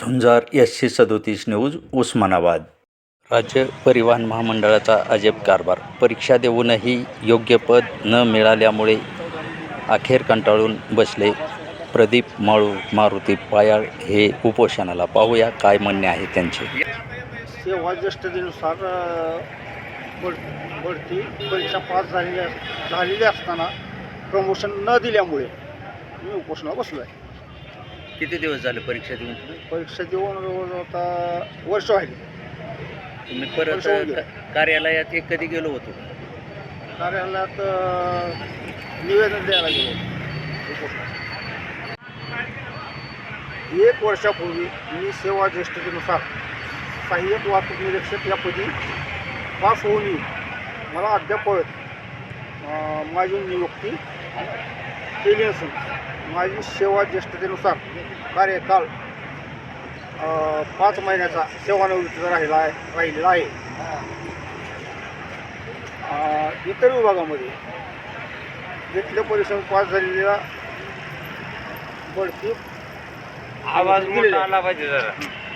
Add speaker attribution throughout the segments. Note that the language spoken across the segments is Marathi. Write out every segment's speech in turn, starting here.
Speaker 1: झुंजार SC37 न्यूज उस्मानाबाद. राज्य परिवहन महामंडळाचा अजब कारभार. परीक्षा देऊनही योग्य पद न मिळाल्यामुळे अखेर कंटाळून बसले प्रदीप मारुती पायाळ हे उपोषणाला. पाहूया काय म्हणणे आहे त्यांचे.
Speaker 2: सेवा ज्येष्ठतेनुसार बढती परीक्षा पास झालेली असताना प्रमोशन न दिल्यामुळे मी उपोषणाला बसलो आहे.
Speaker 1: किती दिवस झाले परीक्षा देऊन?
Speaker 2: परीक्षा देऊन आता वर्ष व्हायली.
Speaker 1: तुम्ही परत कार्यालयात कधी गेलो होतो?
Speaker 2: कार्यालयात निवेदन द्यायला गेलो उपोषण. 1 वर्षापूर्वी मी सेवा ज्येष्ठतेनुसार सहाय्यक वाहतूक निरीक्षक या पदी पास होऊनही मला अद्यापत माझी नियुक्ती केली नसून माझी सेवा ज्येष्ठतेनुसार कार्यकाल 5 महिन्याचा सेवानिवृत्तीचा राहिलेला आहे. इतर विभागामध्ये घेतल्या परीक्षेत पास झालेल्या बढती
Speaker 3: आवाज मोठा आला पाहिजे जरा.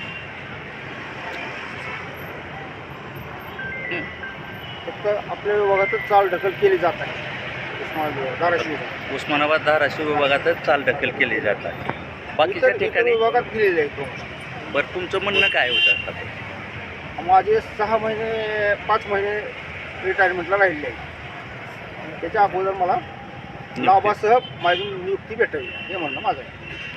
Speaker 2: फक्त आपल्या विभागातच चाल ढकल केली जात आहे.
Speaker 1: उस्मानाबाद धाराशिव विभागातच चालढकल केली जातात. बाकीच्या ठिकाणी
Speaker 2: विभागात दिलेले आहे.
Speaker 1: बरं, तुमचं म्हणणं काय होतं? आता
Speaker 2: माझे 6 महिने 5 महिने रिटायरमेंटला राहिले आहे. त्याच्या अगोदर मला लाभासह माझी नियुक्ती भेटावी हे म्हणणं माझं आहे.